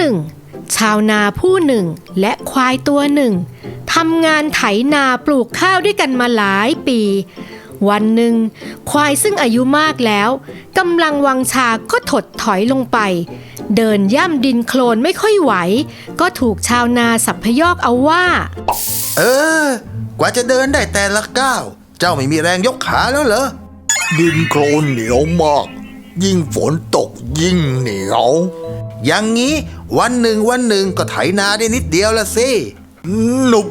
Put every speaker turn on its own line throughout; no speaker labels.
นึ่งชาวนาผู้หนึ่งและควายตัวหนึ่งทำงานไถนาปลูกข้าวด้วยกันมาหลายปีวันหนึ่งควายซึ่งอายุมากแล้วกำลังวังชาก็ถดถอยลงไปเดินย่ำดินโคลนไม่ค่อยไหวก็ถูกชาวนาสัพยอกเอาว่าก
ว่าจะเดินได้แต่ละก้าวเจ้าไม่มีแรงยกขาแล้วเหรอ
ดินโคลนเหนียวมากยิ่งฝนตกยิ่งเหนียว
อย่างนี้วันหนึ่งก็ไถนาได้นิดเดียวละสิ
หนุบ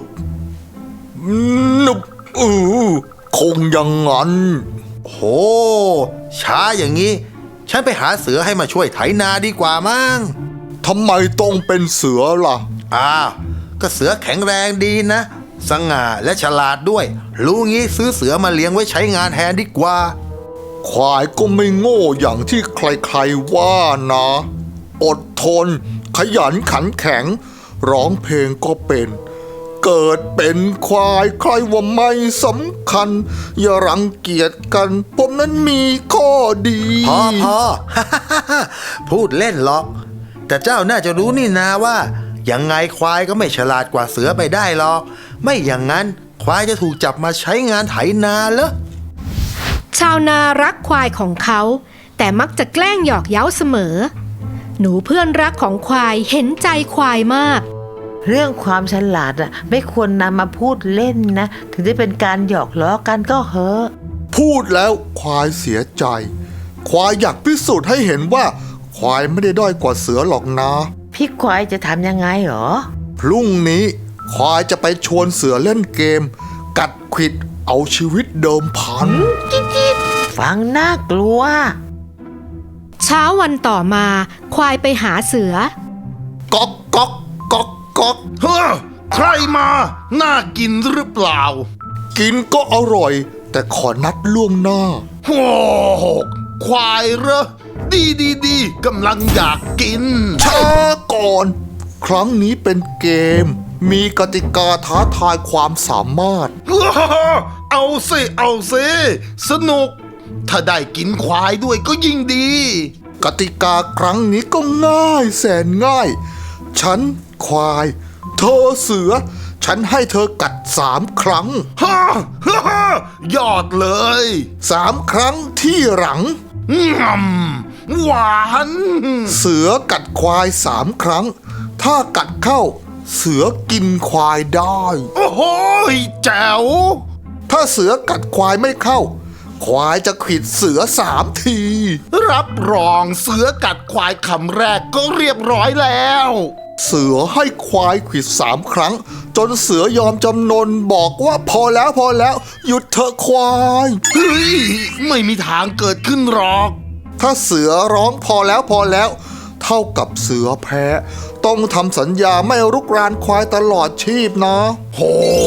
คงอย่างนั้น
โหช้าอย่างนี้ฉันไปหาเสือให้มาช่วยไถนาดีกว่ามั้ง
ทำไมต้องเป็นเสือล่ะ
ก็เสือแข็งแรงดีนะสง่าและฉลาดด้วยรู้งี้ซื้อเสือมาเลี้ยงไว้ใช้งานแทนดีกว่า
ควายก็ไม่โง่อย่างที่ใครๆว่านะอดทนขยันขันแข็งร้องเพลงก็เป็นเกิดเป็นควายใครว่าไม่สำคัญอย่ารังเกียจกันผมนั้นมีข้อดี
พอ พูดเล่นหรอกแต่เจ้าน่าจะรู้นี่นาว่ายังไงควายก็ไม่ฉลาดกว่าเสือไปได้หรอกไม่อย่างนั้นควายจะถูกจับมาใช้งานไถนาเหรอ
ชาวนารักควายของเขาแต่มักจะแกล้งหยอกเย้าเสมอหนูเพื่อนรักของควายเห็นใจควายมาก
เรื่องความฉลาดไม่ควรนำมาพูดเล่นนะถึงได้เป็นการหยอกล้อกันก็เหอะ
พูดแล้วควายเสียใจควายอยากพิสูจน์ให้เห็นว่าควายไม่ได้ด้อยกว่าเสือหรอกนะ
พี่ควายจะทำยังไงหรอ
พรุ่งนี้ควายจะไปชวนเสือเล่นเกมกัดขวิดเอาชีวิตเดิมพัน
จิ๊ดฟังน่ากลัว
เช้าวันต่อมาควายไปหาเสือ
ก๊อกก๊อกก๊อกก๊อก
เฮ้อใครมาน่ากินหรือเปล่า
กินก็อร่อยแต่ขอนัดล่วงหน้า
โอ้ควายเหรอดีกำลังอยากกิน
ช้าก่อนครั้งนี้เป็นเกมมีกติกาท้าทายความสามารถ
เอาสิสนุกถ้าได้กินควายด้วยก็ยิ่งดี
กติกาครั้งนี้ก็ง่ายแสนง่ายฉันควายเธอเสือฉันให้เธอกัด3 ครั้ง
ยอดเลย
3 ครั้งที่หลัง
หวาน
เสือกัดควาย3 ครั้งถ้ากัดเข้าเสือกินควายได้
โอ้โหแจ๋ว
ถ้าเสือกัดควายไม่เข้าควายจะขวิดเสือ3 ที
รับรองเสือกัดควายคำแรกก็เรียบร้อยแล้ว
เสือให้ควายขวิด3 ครั้งจนเสือยอมจำนนบอกว่าพอแล้วหยุดเถอะควาย
เฮ้ยไม่มีทางเกิดขึ้นหรอก
ถ้าเสือร้องพอแล้วเท่ากับเสือแพ้ต้องทำสัญญาไม่รุกรานควายตลอดชีพนะ
โห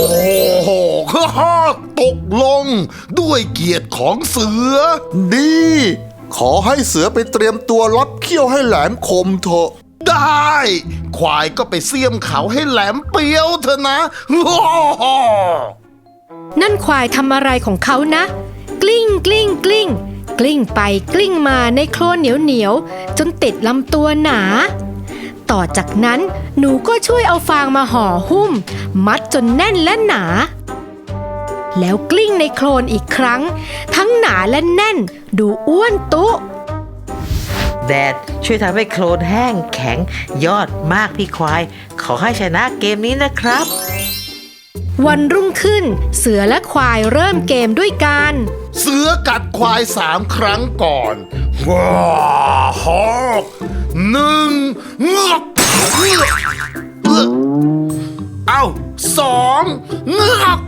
ตกลงด้วยเกียรติของเสือ
ดีขอให้เสือไปเตรียมตัวรับเขี้ยวให้แหลมคมเถอะ
ได้ควายก็ไปเสี้ยมเขาให้แหลมเปียวเถอะนะ
นั่นควายทำอะไรของเขานะกลิ้งไปกลิ้งมาในโคลนเหนียวจนติดลำตัวหนาต่อจากนั้นหนูก็ช่วยเอาฟางมาห่อหุ้มมัดจนแน่นและหนาแล้วกลิ้งในโคลนอีกครั้งทั้งหนาและแน่นดูอ้วนตุ๊
แดดช่วยทำให้โคลนแห้งแข็งยอดมากพี่ควายขอให้ชนะเกมนี้นะครับ
วันรุ่งขึ้นเสือและควายเริ่มเกมด้วยกัน
เสือกัดควาย3 ครั้งก่อนว้าฮอก1งอกเอา2งอก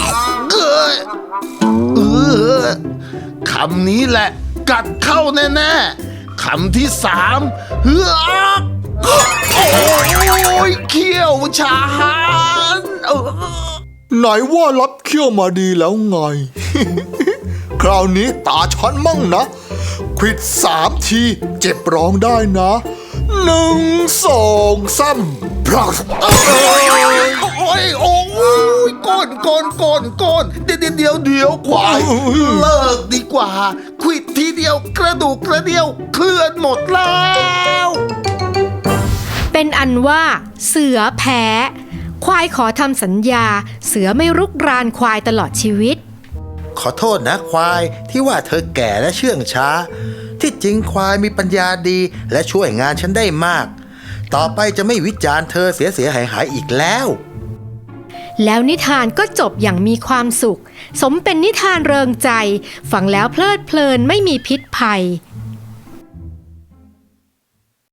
คำนี้แหละกัดเข้าแน่ๆคำที่3เฮือกโอ้ยเขี้ยวชาญ
ไหนว่ารับเขี้ยวมาดีแล้วไง คราวนี้ตาฉันมั่งนะขวิด3 ทีเจ็บร้องได้นะ1 2 3พลัส
โอ้ยก้นเดี๋ยวควายเลิกดีกว่าขวิดทีเดียวกระดูกกระเดี่ยวเคลื่อนหมดแล้ว
เป็นอันว่าเสือแพ้ ควายขอทำสัญญา เสือไม่รุกรานควายตลอดชีวิต
ขอโทษนะควายที่ว่าเธอแก่และเชื่องช้า ที่จริงควายมีปัญญาดีและช่วยงานฉันได้มาก ต่อไปจะไม่วิจารณ์เธอเสียหายอีกแล้ว
แล้วนิทานก็จบอย่างมีความสุข สมเป็นนิทานเริงใจ ฟังแล้วเพลิดเพลินไม่มีพิษภัย